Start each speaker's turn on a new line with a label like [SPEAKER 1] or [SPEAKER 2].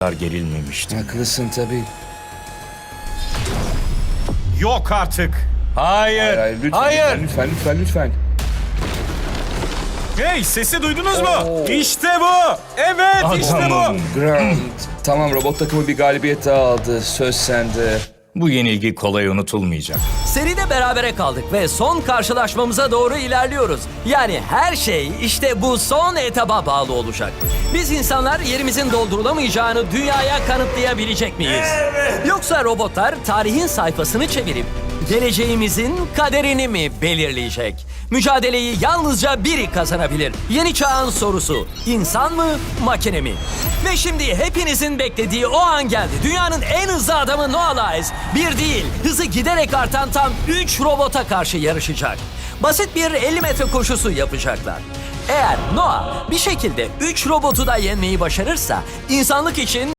[SPEAKER 1] gerilmemiştim.
[SPEAKER 2] Haklısın tabii.
[SPEAKER 1] Yok artık.
[SPEAKER 2] Hayır, lütfen,
[SPEAKER 1] Hayır.
[SPEAKER 2] lütfen.
[SPEAKER 1] Hey, sesi duydunuz mu?
[SPEAKER 2] Oo.
[SPEAKER 1] İşte bu. Evet, işte bu.
[SPEAKER 2] Grant. Tamam, robot takımı bir galibiyet daha aldı. Söz sende.
[SPEAKER 1] Bu yenilgi kolay unutulmayacak.
[SPEAKER 3] Seride berabere kaldık ve son karşılaşmamıza doğru ilerliyoruz. Yani her şey işte bu son etaba bağlı olacak. Biz insanlar yerimizin doldurulamayacağını dünyaya kanıtlayabilecek miyiz? Yoksa robotlar tarihin sayfasını çevirip geleceğimizin kaderini mi belirleyecek? Mücadeleyi yalnızca biri kazanabilir. Yeni çağın sorusu: insan mı, makine mi? Ve şimdi hepinizin beklediği o an geldi. Dünyanın en hızlı adamı Noah Lyles bir değil, hızı giderek artan tam 3 robota karşı yarışacak. Basit bir 50 metre koşusu yapacaklar. Eğer Noah bir şekilde 3 robotu da yenmeyi başarırsa insanlık için